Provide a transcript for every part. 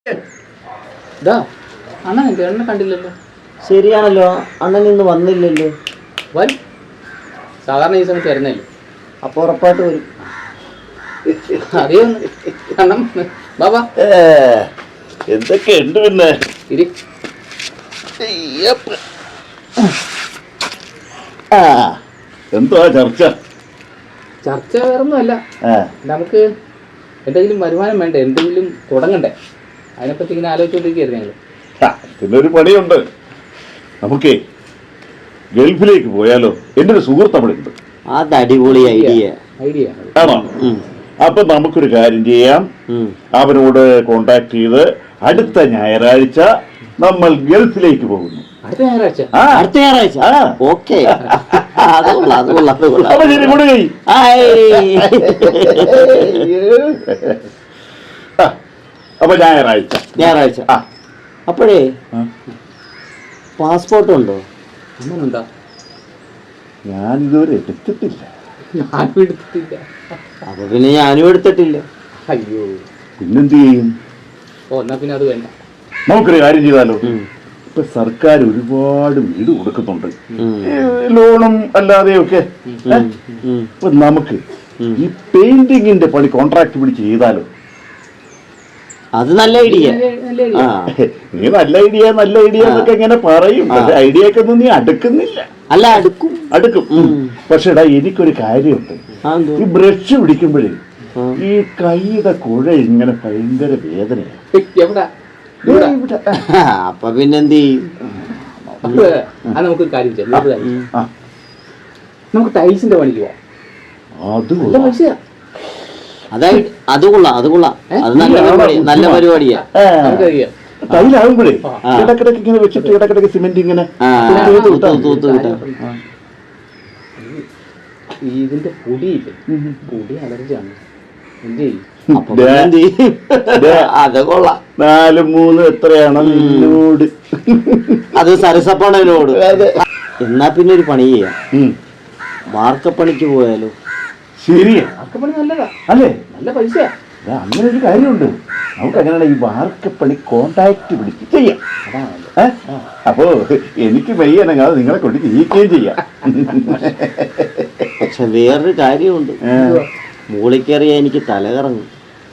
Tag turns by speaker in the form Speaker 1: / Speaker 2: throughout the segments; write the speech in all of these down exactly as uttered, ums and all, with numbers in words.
Speaker 1: അണ്ണൻ എന്നെ കണ്ടില്ലല്ലോ.
Speaker 2: ശരിയാണല്ലോ, അണ്ണൻ ഇന്ന് വന്നില്ലല്ലോ.
Speaker 1: വരും, സാധാരണ ഈ സമയത്ത് വരുന്നല്ലോ.
Speaker 2: അപ്പൊ ഉറപ്പായിട്ട് വരും.
Speaker 1: അതേ അണ്ണം ബാബാ
Speaker 3: എന്തൊക്കെയുണ്ട് പിന്നെ? എന്തുവാ ചർച്ച?
Speaker 1: ചർച്ച വേറൊന്നുമല്ല, നമുക്ക് എന്തെങ്കിലും വരുമാനം വേണ്ടേ, എന്തെങ്കിലും തുടങ്ങണ്ടേ, അതിനെപ്പറ്റി ഇങ്ങനെ ആലോചിച്ചുകൊണ്ടിരിക്കുകയായിരുന്നു ഞങ്ങൾ.
Speaker 3: പിന്നൊരു പണിയുണ്ട്, നമുക്കേ ഗൾഫിലേക്ക് പോയാലോ? എൻ്റെ ഒരു സുഹൃത്ത് അവിടെ ഉണ്ട്.
Speaker 2: അത് അടിപൊളി ഐഡിയ
Speaker 1: ഐഡിയ
Speaker 3: ആണോ? അപ്പൊ നമുക്കൊരു കാര്യം ചെയ്യാം, അവനോട് കോണ്ടാക്ട് ചെയ്ത് അടുത്ത ഞായറാഴ്ച നമ്മൾ ഗൾഫിലേക്ക് പോകുന്നു.
Speaker 1: അടുത്ത ഞായറാഴ്ച?
Speaker 2: അടുത്ത ഞായറാഴ്ച ഓക്കെ.
Speaker 3: അപ്പൊ ഞായറാഴ്ച
Speaker 2: ഞായറാഴ്ച അപ്പോഴേ പാസ്പോർട്ട് ഉണ്ടോ?
Speaker 1: അങ്ങനെന്താ?
Speaker 3: ഞാനിതുവരെ എടുത്തിട്ടില്ല.
Speaker 1: ഞാനും എടുത്തിട്ടില്ല.
Speaker 2: അപ്പൊ പിന്നെ ഞാനും എടുത്തിട്ടില്ല.
Speaker 1: അയ്യോ,
Speaker 3: പിന്നെന്ത് ചെയ്യും?
Speaker 1: ഓ എന്നാ പിന്നെ അത് വേണ്ട.
Speaker 3: നമുക്കൊരു കാര്യം ചെയ്താലോ? ഇപ്പൊ സർക്കാർ ഒരുപാട് വീട് കൊടുക്കുന്നുണ്ട്, ലോണും അല്ലാതെയൊക്കെ. ഇപ്പൊ നമുക്ക് ഈ പെയിന്റിങ്ങിന്റെ പണി കോൺട്രാക്ട് പിടിച്ച് ചെയ്താലോ?
Speaker 2: അത് നല്ല ഐഡിയ.
Speaker 3: നീ നല്ല ഐഡിയ നല്ല ഐഡിയ എന്നൊക്കെ ഇങ്ങനെ പറയും, പക്ഷെ ഐഡിയ ഒക്കെ ഒന്നും നീ അടുക്കുന്നില്ല.
Speaker 2: അല്ല, അടുക്കും
Speaker 3: അടുക്കും പക്ഷെ എടാ എനിക്കൊരു കാര്യമുണ്ട്. ഈ ബ്രഷ് പിടിക്കുമ്പോഴേ ഈ കൈയുടെ കുഴ ഇങ്ങനെ ഭയങ്കര വേദനയാണ്.
Speaker 2: അപ്പൊ പിന്നെന്ത് ചെയ്യും?
Speaker 1: നമുക്കൊരു കാര്യം ചെയ്യാം, നമുക്ക് ടൈൽസിന്റെ പണിക്ക് പോവാം.
Speaker 3: അത്
Speaker 1: പൈസയാ.
Speaker 2: അതായത് അത് കൊള്ളാം, അത് കൊള്ളാം, അത് നല്ല പരിപാടിയാ, നല്ല പരിപാടിയാ.
Speaker 3: ടൈലാകുമ്പോഴേ ഇടക്കിടക്ക് ഇങ്ങനെ വെച്ചിട്ട് ഇടക്കിടക്ക് സിമെന്റ് ഇങ്ങനെ
Speaker 1: ഇതിന്റെ പൊടിയില്ലേ, പൊടി അലർജിയാണ്. എന്ത് ചെയ്യും?
Speaker 2: അത് കൊള്ളാം.
Speaker 3: നാല് മൂന്ന് എത്രയാണ് നിന്നോട്?
Speaker 2: അത് സരസപ്പണനോട്. എന്നാ പിന്നെ ഒരു പണി ചെയ്യാം, വാർക്കപ്പണിക്ക് പോയാലോ?
Speaker 3: ശരിയാ,
Speaker 1: വാർക്കപ്പണി നല്ലതാ
Speaker 3: അല്ലേ?
Speaker 1: നല്ല പൈസയാ.
Speaker 3: അങ്ങനെ ഒരു കാര്യമുണ്ട്, നമുക്ക് അങ്ങനെയാണ് ഈ വാർക്കപ്പണി കോണ്ടാക്ട് പിടിച്ച് ചെയ്യാം. അപ്പോ എനിക്ക് വയ്യനങ്ങാതെ നിങ്ങളെ കൊണ്ട് ചെയ്യിക്കുകയും ചെയ്യാം.
Speaker 2: പക്ഷെ വേറൊരു കാര്യമുണ്ട്, മുകളിൽ കയറിയാ എനിക്ക് തല കറങ്ങും.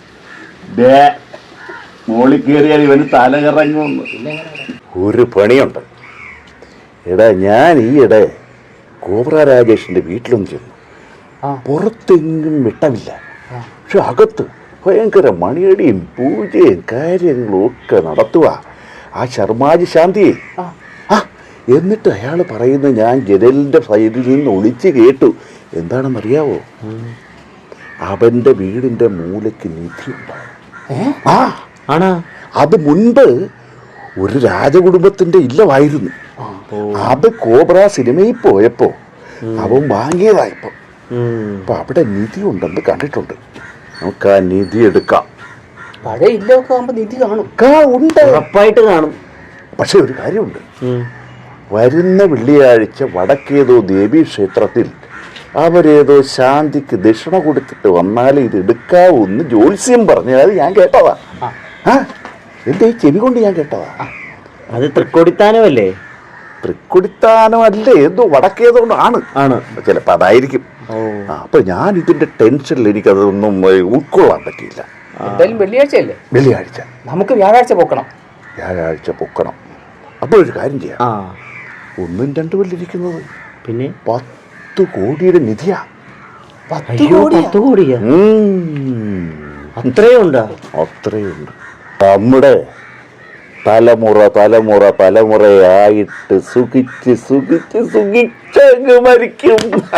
Speaker 3: മുകളിൽ കയറിയാൽ ഇവന് തല കറങ്ങുമെന്ന് ഒരു പണിയുണ്ട്. എടാ, ഞാൻ ഈയിടെ കോബ്ര രാജേഷിന്റെ വീട്ടിലൊന്നും ചെന്നു. പുറത്തെങ്ങും വെട്ടമില്ല, പക്ഷെ അകത്ത് ഭയങ്കര മണിയടിയും പൂജയും കാര്യങ്ങളും ഒക്കെ നടത്തുക ആ ശർമാജി ശാന്തിയെ. ആ എന്നിട്ട് അയാൾ പറയുന്നത് ഞാൻ ജനലിന്റെ സൈഡിൽ നിന്ന് ഒളിച്ച് കേട്ടു. എന്താണെന്നറിയാവോ? അവന്റെ വീടിന്റെ മൂലയ്ക്ക് നിധിയുണ്ട്. ആ
Speaker 2: ആണോ?
Speaker 3: അത് മുൻപ് ഒരു രാജകുടുംബത്തിന്റെ ഇല്ലമായിരുന്നു. അത് കോബ്ര സിനിമയിൽ പോയപ്പോ അവൻ വാങ്ങിയതായപ്പോ അപ്പൊ അവിടെ നിധി ഉണ്ടെന്ന് കണ്ടിട്ടുണ്ട്. നമുക്ക് ആ നിധി എടുക്കാം.
Speaker 1: പഴയ ഇല്ലൊക്കെ ആകുമ്പോ നിധി കാണും.
Speaker 3: ഉണ്ട്,
Speaker 2: ഉറപ്പായിട്ട് കാണും.
Speaker 3: പക്ഷെ ഒരു കാര്യമുണ്ട്, വരുന്ന വെള്ളിയാഴ്ച വടക്കേതോ ദേവീ ക്ഷേത്രത്തിൽ അവരേതോ ശാന്തിക്ക് ദക്ഷിണ കൊടുത്തിട്ട് വന്നാലേ ഇത് എടുക്കാവൂന്ന് ജ്യോത്സ്യം പറഞ്ഞു. അത് ഞാൻ കേട്ടതാ. ആ എന്റെ ഈ ചെവി കൊണ്ട് ഞാൻ കേട്ടതാ.
Speaker 2: അത് തൃക്കൊടിത്താനമല്ലേ?
Speaker 3: തൃക്കൊടിത്താനമല്ലേ, എന്തോ വടക്കേതുകൊണ്ടാണ്
Speaker 2: ആണ്
Speaker 3: ചിലപ്പോ അതായിരിക്കും. അപ്പൊ ഞാൻ ഇതിന്റെ ടെൻഷനിൽ എനിക്കതൊന്നും ഉൾക്കൊള്ളാൻ പറ്റിയില്ല.
Speaker 1: എന്തായാലും വെള്ളിയാഴ്ചയല്ലേ?
Speaker 3: വെള്ളിയാഴ്ച
Speaker 1: നമുക്ക് വ്യാഴാഴ്ച പൊക്കണം.
Speaker 3: വ്യാഴാഴ്ച പൊക്കണം. അപ്പോൾ ഒരു കാര്യം ചെയ്യാം, ഒന്നും രണ്ടു വല്ലിരിക്കുന്നത് പിന്നെ പത്ത് കോടിയുടെ നിധിയാ.
Speaker 2: പത്ത് കോടിയാ? അത്രയുണ്ടോ?
Speaker 3: അത്രയുണ്ട്. നമ്മുടെ തലമുറ തലമുറ തലമുറയായിട്ട് സുഖിച്ച് സുഖിച്ച് സുഖിച്ചങ്ങ് മരിക്കും.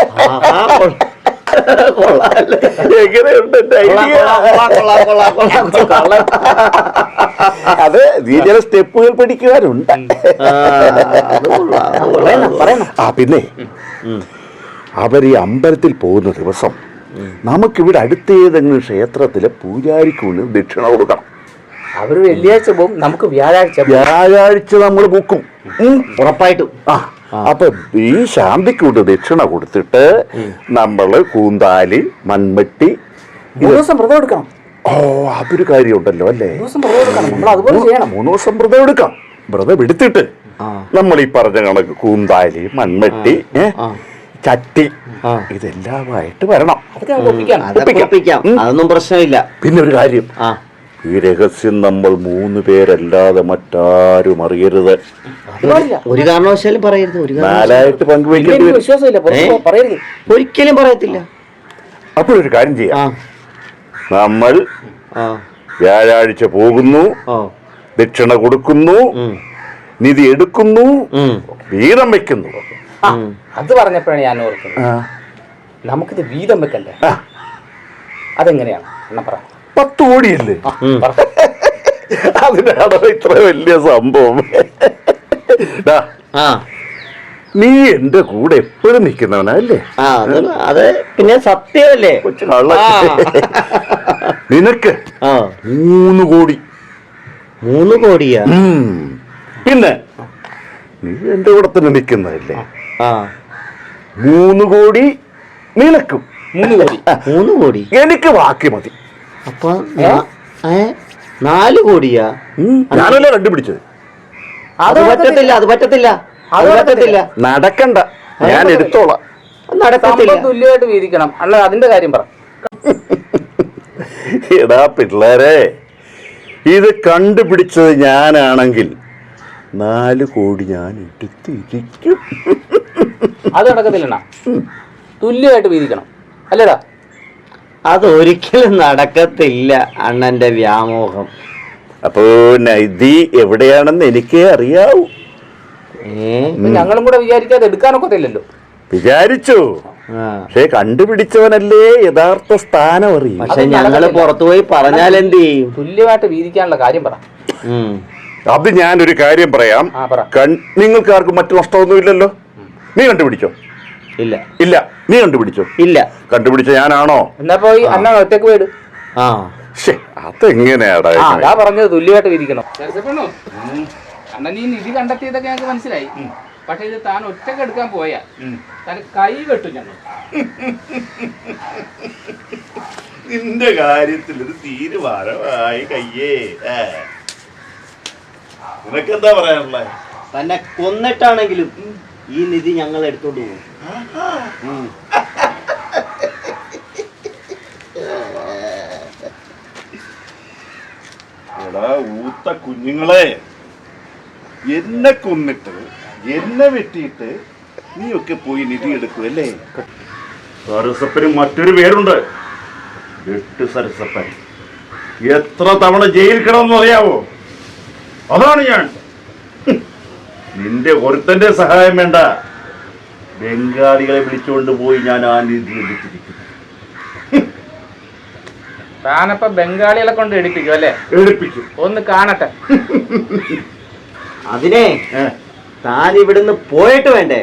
Speaker 3: എങ്ങനെയുണ്ട്? അത് നീ ചില സ്റ്റെപ്പുകൾ പഠിക്കുവാനുണ്ട്. ആ പിന്നെ അവർ ഈ അമ്പലത്തിൽ പോകുന്ന ദിവസം നമുക്കിവിടെ അടുത്തേതെങ്കിലും ക്ഷേത്രത്തിലെ പൂജാരിക്കുള്ളിൽ ദക്ഷിണ കൊടുക്കണം.
Speaker 1: അവർ വെള്ളിയാഴ്ച പോകും, നമുക്ക് വ്യാഴാഴ്ച
Speaker 3: വ്യാഴാഴ്ച നമ്മൾ ബുക്കും
Speaker 2: ഉറപ്പായിട്ടും.
Speaker 3: ആ അപ്പൊ ഈ ശാന്തിക്കൂട്ട് ദക്ഷിണ കൊടുത്തിട്ട് നമ്മള് കൂന്താലി, മൺവെട്ടി
Speaker 1: ദിവസം വ്രതം എടുക്കണം.
Speaker 3: ഓ അതൊരു കാര്യമുണ്ടല്ലോ അല്ലേ?
Speaker 1: നമ്മൾ അതുപോലെ ചെയ്യണം.
Speaker 3: മൂന്ന് ദിവസം വ്രതം എടുക്കാം. വ്രതം എടുത്തിട്ട് നമ്മൾ ഈ പറഞ്ഞ കണക്ക് കൂന്താലി, മൺവെട്ടി, ചട്ടി ഇതെല്ലാമായിട്ട് വരണം.
Speaker 2: അതൊന്നും പ്രശ്നമില്ല.
Speaker 3: പിന്നെ ഒരു കാര്യം, ഈ രഹസ്യം നമ്മൾ മൂന്ന് പേരല്ലാതെ മറ്റാരും അറിയരുത്.
Speaker 2: ഒരു കാരണവശാലും പറയരുത്. ഒരു
Speaker 3: നാലായിട്ട് പങ്കുവയ്ക്കേണ്ടി
Speaker 2: വരും. ഒരിക്കലും പറയത്തില്ല.
Speaker 3: അപ്പോഴൊരു കാര്യം ചെയ്യാം. നമ്മൾ വ്യാഴാഴ്ച പോകുന്നു, ദക്ഷിണ കൊടുക്കുന്നു, നിധി എടുക്കുന്നു, വീതം വെക്കുന്നു.
Speaker 1: അത് പറഞ്ഞപ്പോഴാണ് ഞാൻ ഓർക്കുന്നത്, നമുക്കിത് വീതം വെക്കണ്ടേ? അതെങ്ങനെയാണ് എന്നാ പറ.
Speaker 3: പത്ത് കോടിയല്ലേ? അതിനാണോ ഇത്ര വലിയ സംഭവം? നീ എന്റെ കൂടെ എപ്പോഴും നിൽക്കുന്നവനല്ലേ?
Speaker 2: അത് പിന്നെ സത്യമല്ലേ?
Speaker 3: നിനക്ക് മൂന്ന് കോടി.
Speaker 2: മൂന്ന് കോടിയാ?
Speaker 3: പിന്നെ നീ എന്റെ കൂടെ തന്നെ നിൽക്കുന്നതല്ലേ? മൂന്ന് കോടി നിനക്കും.
Speaker 2: മൂന്ന് കോടി മൂന്ന് കോടി
Speaker 3: എനിക്ക് ബാക്കി മതി.
Speaker 2: അപ്പൊ നാല് കോടിയാ?
Speaker 3: ഞാനല്ലേ കണ്ടുപിടിച്ചത്.
Speaker 2: അത് പറ്റത്തില്ല, അത് പറ്റത്തില്ല, അത് പറ്റത്തില്ല.
Speaker 3: നടക്കണ്ട, ഞാൻ എടുത്തോളാം.
Speaker 2: നടക്കത്തില്ല.
Speaker 1: തുല്യമായിട്ട് വീതിക്കണം. അല്ല അതിന്റെ കാര്യം പറ.
Speaker 3: എടാ പിള്ളേരെ, ഇത് കണ്ടുപിടിച്ചത് ഞാനാണെങ്കിൽ നാല് കോടി ഞാൻ എടുത്തിരിക്കും.
Speaker 1: അത് നടക്കത്തില്ലണ്ണ, തുല്യമായിട്ട് വീതിക്കണം അല്ലേടാ?
Speaker 2: അതൊരിക്കലും നടക്കത്തില്ല അണ്ണന്റെ വ്യാമോഹം.
Speaker 3: അപ്പോ നൈതി എവിടെയാണെന്ന് എനിക്കേ അറിയാവൂ.
Speaker 1: ഞങ്ങളും കൂടെ വിചാരിക്കാതെ എടുക്കാനൊക്കത്തില്ലല്ലോ.
Speaker 3: വിചാരിച്ചു, പക്ഷെ കണ്ടുപിടിച്ചവനല്ലേ യഥാർത്ഥ സ്ഥാനം അറിയും.
Speaker 2: പക്ഷെ ഞങ്ങള് പുറത്തുപോയി പറഞ്ഞാൽ എന്ത് ചെയ്യും?
Speaker 1: തുല്യമായിട്ട് വീതിക്കാനുള്ള കാര്യം പറ.
Speaker 3: അത് ഞാനൊരു കാര്യം പറയാം. നിങ്ങൾക്ക് ആർക്കും മറ്റു നഷ്ടമൊന്നുമില്ലല്ലോ. നീ കണ്ടുപിടിച്ചോ?
Speaker 2: ഇല്ല.
Speaker 3: ഇല്ല. നീ കണ്ടുപിടിച്ചോ?
Speaker 2: ഇല്ല.
Speaker 3: കണ്ടുപിടിച്ച ഞാനാണോ?
Speaker 1: എന്നാ പോയി അന്ന ഒറ്റക്ക് പോയിട്.
Speaker 3: അതെങ്ങനെയാടാ
Speaker 1: പറഞ്ഞത്? തുല്യമായിട്ട് വീതിക്കണം. അണ്ണ നീ നിധി കണ്ടെത്തിയതൊക്കെ ഞങ്ങൾക്ക് മനസ്സിലായി. പക്ഷെ ഇത് താൻ ഒറ്റക്ക് എടുക്കാൻ പോയാ താൻ കൈ വെട്ടും ഞങ്ങൾ.
Speaker 3: നിന്റെ കാര്യത്തിൽ ഒരു തീരുമാനമായി കയ്യേ. നിനക്കെന്താ പറയാനുള്ളത്?
Speaker 2: തന്നെ കൊന്നിട്ടാണെങ്കിലും ഈ നിധി ഞങ്ങൾ എടുത്തോണ്ട് പോകും.
Speaker 3: എടാ ഊത്ത കുഞ്ഞുങ്ങളെ, എന്നെ കൊന്നിട്ട് എന്നെ വെട്ടിയിട്ട് നീയൊക്കെ പോയി നിധി എടുക്കുമല്ലേ? സരസപ്പന് മറ്റൊരു പേരുണ്ട്, വെട്ട് സരസപ്പൻ. എത്ര തവണ ജയിൽ കിടന്നു അറിയാവോ? അതാണ് ഞാൻ. നിന്റെ ഒരുത്തന്റെ സഹായം വേണ്ട, ബംഗാളികളെ വിളിച്ചുകൊണ്ട് പോയി ഞാൻ ആ നിധി എടുത്തിരിക്കുന്നു.
Speaker 1: താനപ്പ ബംഗാളികളെ കൊണ്ട് എടുപ്പിക്കും അല്ലേ?
Speaker 3: എടുപ്പിക്കും.
Speaker 1: ഒന്ന് കാണട്ടെ.
Speaker 2: അതിനെ താൻ ഇവിടുന്ന് പോയിട്ട് വേണ്ടേ?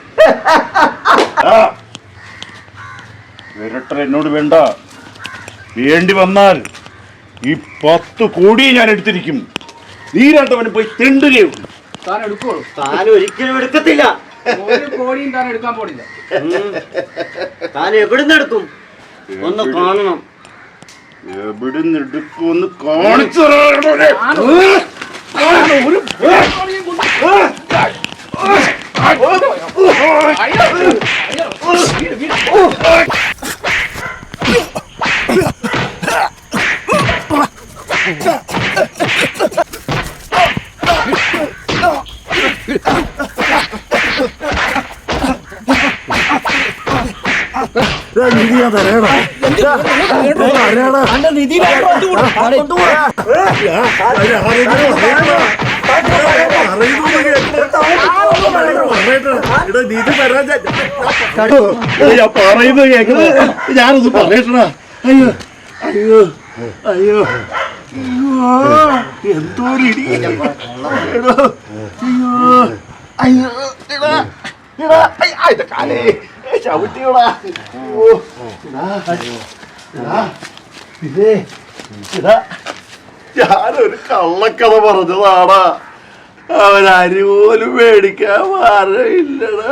Speaker 3: വിരട്ടർ എന്നോട് വേണ്ട. വേണ്ടി വന്നാൽ ഈ പത്ത് കോടി ഞാൻ എടുത്തിരിക്കും. നീ രണ്ടവന് പോയി തെണ്ടുകയും.
Speaker 1: താൻ എടുക്കുള്ളൂ?
Speaker 2: താൻ ഒരിക്കലും എടുക്കത്തില്ല.
Speaker 1: ഒരു കോടിയും താൻ എടുക്കാൻ പോണില്ല.
Speaker 2: താൻ എവിടുന്ന് എടുക്കും? ഒന്ന് കാണണം.
Speaker 3: എവിടുന്ന് എടുക്കുമെന്ന് കാണിച്ചു. നിധിയാ തരേടാ. പറയുന്നത് കേൾക്കുന്നത് ഞാനൊന്ന് പറയട്ടാ. അയ്യോ അയ്യോ അയ്യോ എന്തോ ഇടി. അയ്യോ അയ്യോ കാലേ ചവിട്ടിയോടാ. ഞാനൊരു കള്ളക്കഥ പറഞ്ഞതാടാ. അവൻ അരി പോലും മേടിക്കാൻ മാറില്ലടാ.